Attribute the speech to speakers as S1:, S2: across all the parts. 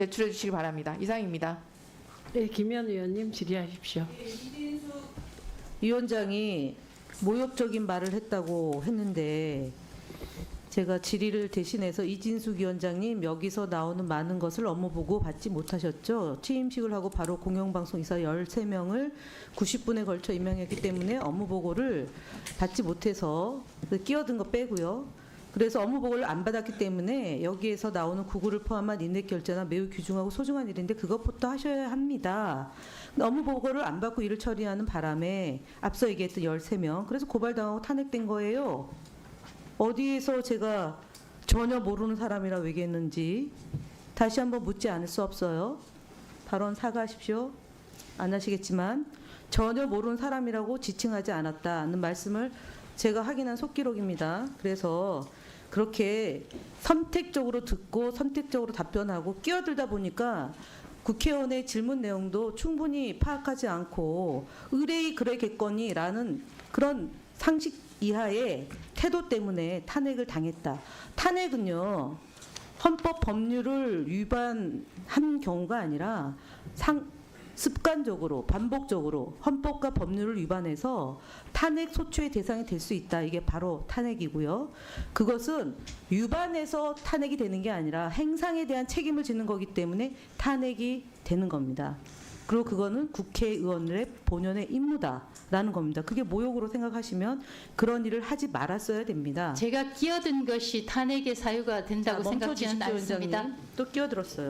S1: 제출해 주시기 바랍니다. 이상입니다.
S2: 네, 김현 의원님 질의하십시오.
S3: 이진숙 위원장이 모욕적인 말을 했다고 했는데 제가 질의를 대신해서 이진숙 위원장님 여기서 나오는 많은 것을 업무 보고 받지 못하셨죠. 취임식을 하고 바로 공영방송 이사 13명을 90분에 걸쳐 임명했기 때문에 업무 보고를 받지 못해서 끼어든 거 빼고요. 그래서 업무 보고를 안 받았기 때문에 여기에서 나오는 구구를 포함한 인력 결제나 매우 귀중하고 소중한 일인데 그것부터 하셔야 합니다. 업무 보고를 안 받고 일을 처리하는 바람에 앞서 얘기했던 13명 그래서 고발당하고 탄핵된 거예요. 어디에서 제가 전혀 모르는 사람이라고 얘기했는지 다시 한번 묻지 않을 수 없어요. 발언 사과하십시오. 안 하시겠지만 전혀 모르는 사람이라고 지칭하지 않았다는 말씀을 제가 확인한 속기록입니다. 그래서 그렇게 선택적으로 듣고 선택적으로 답변하고 끼어들다 보니까 국회의원의 질문 내용도 충분히 파악하지 않고 의뢰이 그래겠거니라는 그런 상식 이하의 태도 때문에 탄핵을 당했다. 탄핵은요. 헌법 법률을 위반한 경우가 아니라 습관적으로 반복적으로 헌법과 법률을 위반해서 탄핵 소추의 대상이 될 수 있다. 이게 바로 탄핵이고요. 그것은 위반해서 탄핵이 되는 게 아니라 행상에 대한 책임을 지는 거기 때문에 탄핵이 되는 겁니다. 그리고 그거는 국회의원의 본연의 임무다라는 겁니다. 그게 모욕으로 생각하시면 그런 일을 하지 말았어야 됩니다.
S4: 제가 끼어든 것이 탄핵의 사유가 된다고 생각지는 않습니다.
S3: 또 끼어들었어요.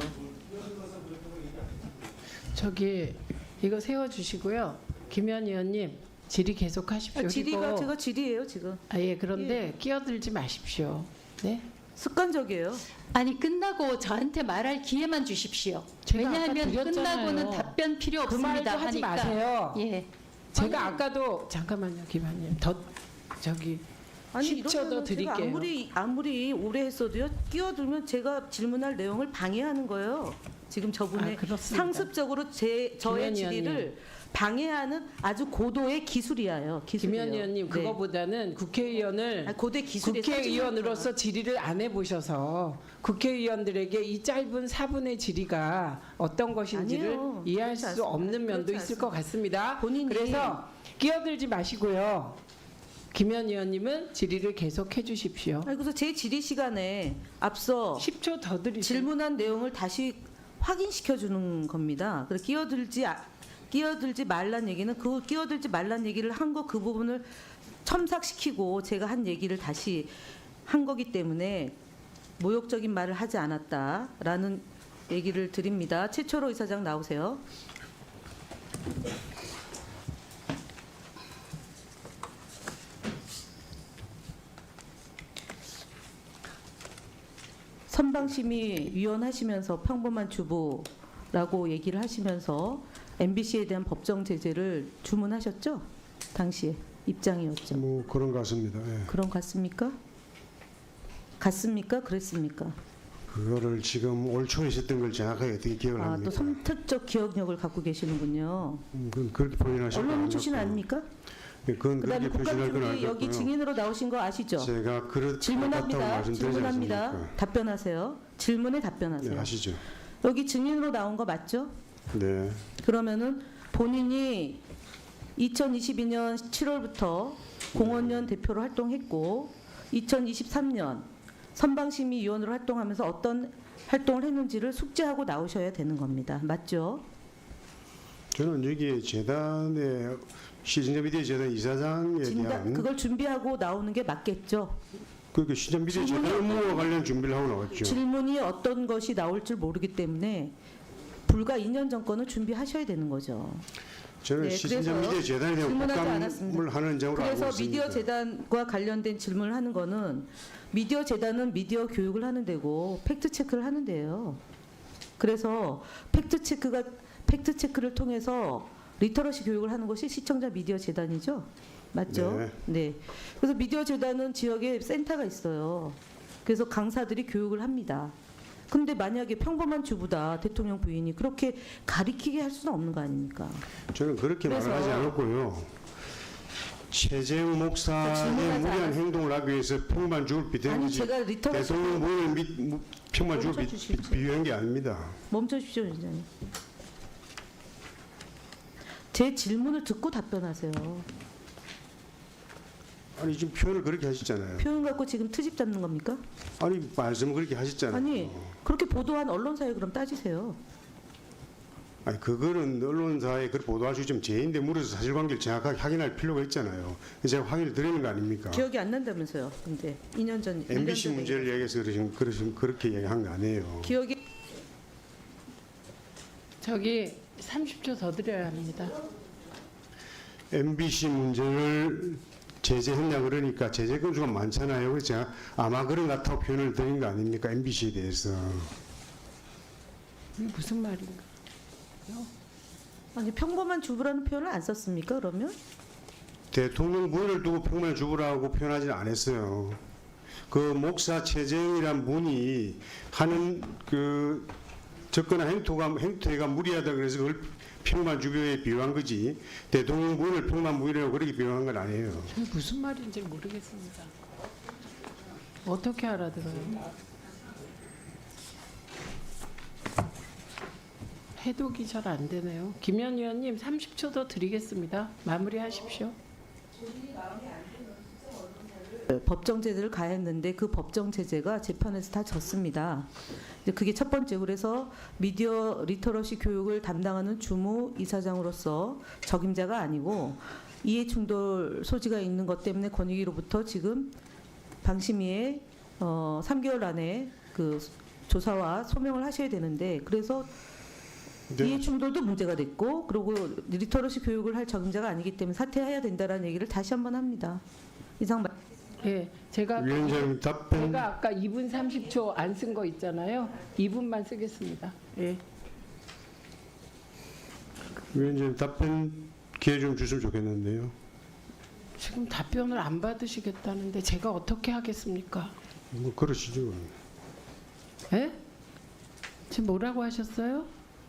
S2: 저기 이거 세워주시고요. 김현 의원님 질의 계속하십시오.
S3: 질의가 제가 질의예요 지금.
S2: 예, 그런데 끼어들지 마십시오. 네.
S3: 습관적이에요.
S4: 아니 끝나고 저한테 말할 기회만 주십시오.
S2: 제가
S4: 왜냐하면
S2: 아까 드렸잖아요.
S4: 끝나고는 답변 필요
S2: 그
S4: 없습니다.
S2: 말도 하지
S4: 하니까.
S2: 마세요.
S4: 예.
S2: 제가 아까도 잠깐만요, 김현님. 더 저기
S3: 아니
S2: 10초 더
S3: 이러면 제가
S2: 드릴게요.
S3: 아무리 오래 했어도요 끼어들면 제가 질문할 내용을 방해하는 거예요. 지금 저분의
S2: 그렇습니다.
S3: 상습적으로 저의
S2: 김현
S3: 질의를
S2: 의원님.
S3: 방해하는 아주 고도의 기술이에요. 기술이에요.
S2: 김현 의원님
S3: 네.
S2: 그거보다는 국회의원을
S3: 아니, 고대 기술의
S2: 국회의원으로서 질의를 안 해보셔서 국회의원들에게 이 짧은 4분의 질의가 어떤 것인지를
S3: 아니에요.
S2: 이해할
S3: 그렇지
S2: 수
S3: 않습니다.
S2: 없는 면도
S3: 그렇지
S2: 있을 것 같습니다.
S3: 본인이
S2: 그래서 끼어들지 마시고요. 김현 의원님은 질의를 계속해 주십시오.
S3: 아니, 그래서 제 질의 시간에 앞서
S2: 10초 더 드리세요.
S3: 질문한 내용을 다시 확인시켜 주는 겁니다. 그래서 끼어들지 말란 얘기는 그 끼어들지 말란 얘기를 한 거 그 부분을 첨삭시키고 제가 한 얘기를 다시 한 거기 때문에 모욕적인 말을 하지 않았다라는 얘기를 드립니다. 최초로 이사장 나오세요. 선방심의 하시면서 평범한 주부라고 얘기를 하시면서 MBC에 대한 법정 제재를 주문하셨죠? 당시에 입장이었죠.
S5: 뭐 그런 것 같습니다. 예.
S3: 그런 것 같습니까? 같습니까? 그랬습니까?
S5: 그거를 지금 올 초에 있었던 걸 정확하게 어떻게 기억을
S3: 아, 또
S5: 합니까?
S3: 선택적 기억력을 갖고 계시는군요.
S5: 그건 그렇게 표현하실 거
S3: 언론 출신
S5: 아니었고.
S3: 아닙니까?
S5: 예, 그건
S3: 그다음에
S5: 그렇게 표현할 건
S3: 국감중에 여기
S5: 아니었고요.
S3: 증인으로 나오신 거 아시죠?
S5: 제가 그렇다고
S3: 질문합니다.
S5: 말씀드리지
S3: 질문합니다.
S5: 않습니까?
S3: 답변하세요. 질문에 답변하세요.
S5: 네, 하시죠.
S3: 여기 증인으로 나온 거 맞죠?
S5: 네.
S3: 그러면은 본인이 2022년 7월부터 공원연 대표로 활동했고 2023년 선방심의위원으로 활동하면서 어떤 활동을 했는지를 숙지하고 나오셔야 되는 겁니다. 맞죠?
S5: 저는 여기 재단의 시청자미디어 재단 이사장에 대한
S3: 그걸 준비하고 나오는 게 맞겠죠?
S5: 그 시청자미디어 재단 업무와 관련 준비를 하고 나왔죠.
S3: 질문이 어떤 것이 나올 줄 모르기 때문에 불과 2년 전 거는 준비하셔야 되는 거죠.
S5: 저는
S3: 네,
S5: 시청자미디어
S3: 그래서
S5: 재단에 대한
S3: 질문하지
S5: 국감을
S3: 않았습니다.
S5: 하는 점으로 알고
S3: 그래서
S5: 있습니다.
S3: 미디어 재단과 관련된 질문을 하는 거는 미디어 재단은 미디어 교육을 하는 데고 팩트 체크를 하는 데예요. 그래서 팩트 체크를 통해서 리터러시 교육을 하는 것이 시청자 미디어 재단이죠. 맞죠?
S5: 네.
S3: 네. 그래서 미디어 재단은 지역에 센터가 있어요. 그래서 강사들이 교육을 합니다. 근데 만약에 평범한 주부다 대통령 부인이 그렇게 가리키게 할 수는 없는 거 아닙니까?
S5: 저는 그렇게
S3: 그래서
S5: 말하지 않았고요. 최재형 목사의
S3: 질문하지
S5: 무리한
S3: 않았-
S5: 행동을 하기 위해서 평만 죽을 비대한
S3: 아니
S5: 거지
S3: 제가 리터러시
S5: 대통령 부인을 평만 죽을
S3: 멈춰주십시오.
S5: 비유한 게 아닙니다.
S3: 멈춰주십시오, 위원장님. 제 질문을 듣고 답변하세요.
S5: 아니 지금 표현을 그렇게 하셨잖아요.
S3: 표현 갖고 지금 트집 잡는 겁니까?
S5: 아니 말씀을 그렇게 하셨잖아요.
S3: 아니 그렇게 보도한 언론사에 그럼 따지세요.
S5: 아니 그거는 언론사에 그 보도할 수 있으면 제인데 물어서 사실관계를 정확하게 확인할 필요가 있잖아요. 제가 확인을 드리는 거 아닙니까?
S3: 기억이 안 난다면서요. 근데 2년 전
S5: MBC
S3: 1년 전에
S5: 문제를 얘기해서 그렇게 얘기한 거 아니에요.
S3: 기억이
S2: 저기 30초 더 드려야 합니다.
S5: MBC 문제를 제재했냐 그러니까 제재 건수가 많잖아요. 그래서 제가 아마 그런 것 같다고 표현을 드린 거 아닙니까? MBC에 대해서.
S2: 이게 무슨 말인가?
S3: 아니 평범한 주부라는 표현을 안 썼습니까? 그러면
S5: 대통령 부인을 두고 평범한 주부라고 표현하지는 않았어요. 그 목사 최재형이란 분이 하는 그 접근한 행태가 무리하다 그래서 그걸 평범한 주부에 비유한 거지 대통령 부인을 평범한 부인이라고 그렇게 비유한 건 아니에요.
S2: 저게 무슨 말인지 모르겠습니다. 어떻게 알아들어요? 해독이 잘 안 되네요. 김현 의원님 30초 더 드리겠습니다. 마무리하십시오.
S3: 법정 제재를 가했는데 그 법정 제재가 재판에서 다 졌습니다. 이제 그게 첫 번째. 그래서 미디어 리터러시 교육을 담당하는 주무 이사장으로서 적임자가 아니고 이해 충돌 소지가 있는 것 때문에 권익위로부터 지금 방심위에 3개월 안에 그 조사와 소명을 하셔야 되는데 그래서
S5: 네.
S3: 이해 충돌도 문제가 됐고 그리고 리터러시 교육을 할 적임자가 아니기 때문에 사퇴해야 된다라는 얘기를 다시 한번 합니다. 이상 말.
S2: 예, 제가
S5: 위원장님 답변.
S2: 제가 아까 2분 30초 안 쓴 거 있잖아요. 2분만 쓰겠습니다. 예.
S5: 위원장님 답변 기회 좀 주시면 좋겠는데요.
S2: 지금 답변을 안 받으시겠다는데 제가 어떻게 하겠습니까?
S5: 뭐 그러시죠.
S2: 예? 지금 뭐라고 하셨어요?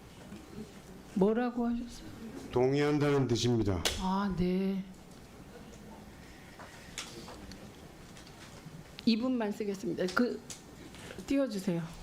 S2: 뭐라고 하셨어요?
S5: 동의한다는 뜻입니다.
S2: 아, 네. 2분만 쓰겠습니다. 그 띄워주세요.